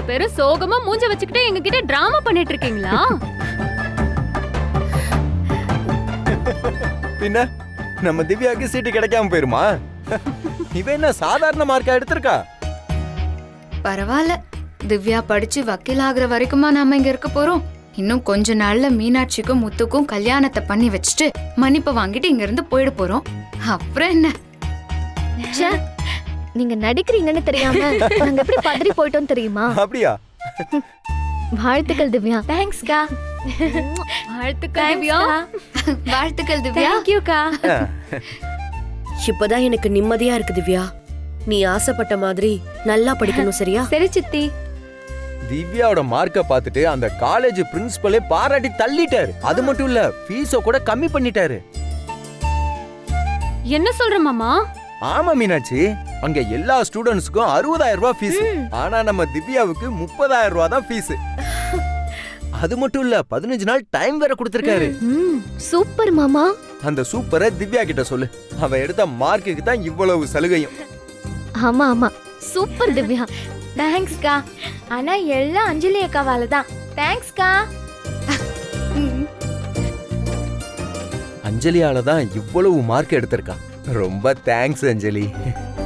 பேரும் சோகமா மூஞ்ச வச்சுக்கிட்டு எங்க கிட்ட டிராமா பண்ணிட்டு இருக்கீங்களா? பின்ன நம்ம திவ்யாக்கு சீட்டு கிடைக்காம போயிருமா? இவ என்ன சாதாரண மார்க்கா எடுத்திருக்கா? பரவாயில்ல, திவ்யா படிச்சு வக்கீல் ஆகுற வரைக்குமா நாம இங்க இருக்க போறோம்? இன்னும் கொஞ்ச நாள்ல மீனாட்சிக்கும் முத்துக்கும் கல்யாணத்தை பண்ணி வச்சுட்டு மன்னிப்பு வாங்கிட்டு இங்க இருந்து போயிட போறோம். அப்புறம் என்ன? ச்சே, நீங்க நடிக்கிறீங்கன்னு தெரியாம நாங்க எப்படி பதறி போயிட்டோம் தெரியுமா? அப்படியா? வாழ்த்துக்கள் திவ்யா. தேங்க்ஸ்க்கா. வாழ்த்துக்கள் திவ்யா. வாழ்த்துக்கள் திவ்யா. தேங்க்யூக்கா. இப்பதான் எனக்கு நிம்மதியா இருக்கு திவ்யா. நீ ஆசைப்பட்ட மாதிரி நல்லா படிக்கணும், சரியா? சரி சித்தி. திவ்யாவோட மார்க்க பார்த்துட்டு அந்த காலேஜ் பிரின்சிபலே பாராட்டி தள்ளிட்டாரு. அது மட்டும் இல்ல, ஃபீஸோ கூட கம்மி பண்ணிட்டாரு. என்ன சொல்ற மாமா? ஆமா மீனாட்சி, அங்க எல்லா ஸ்டூடண்ட்ஸ்க்கும் 60,000 ரூபாய் ஃபீஸ். ஆனா நம்ம திவ்யாவுக்கு 30,000 ரூபாய் தான் ஃபீஸ். அது மட்டும் இல்ல, 15 நாள் டைம் வேற கொடுத்திருக்காரு. சூப்பர் மாமா. அந்த சூப்பரை திவ்யா கிட்ட சொல்லு. அவ எடுத்த மார்க்குக்கு தான் இவ்வளவு சலுகையும். ஆமா ஆமா, சூப்பர் திவ்யா. தேங்க்ஸ்க்கா. ஆனா எல்லாம் அஞ்சலி அக்காவால தான். தேங்க்ஸ்க்கா. அஞ்சலியால தான் இவ்வளவு மார்க் எடுத்திருக்கா. ரொம்ப தேங்க்ஸ் அஞ்சலி.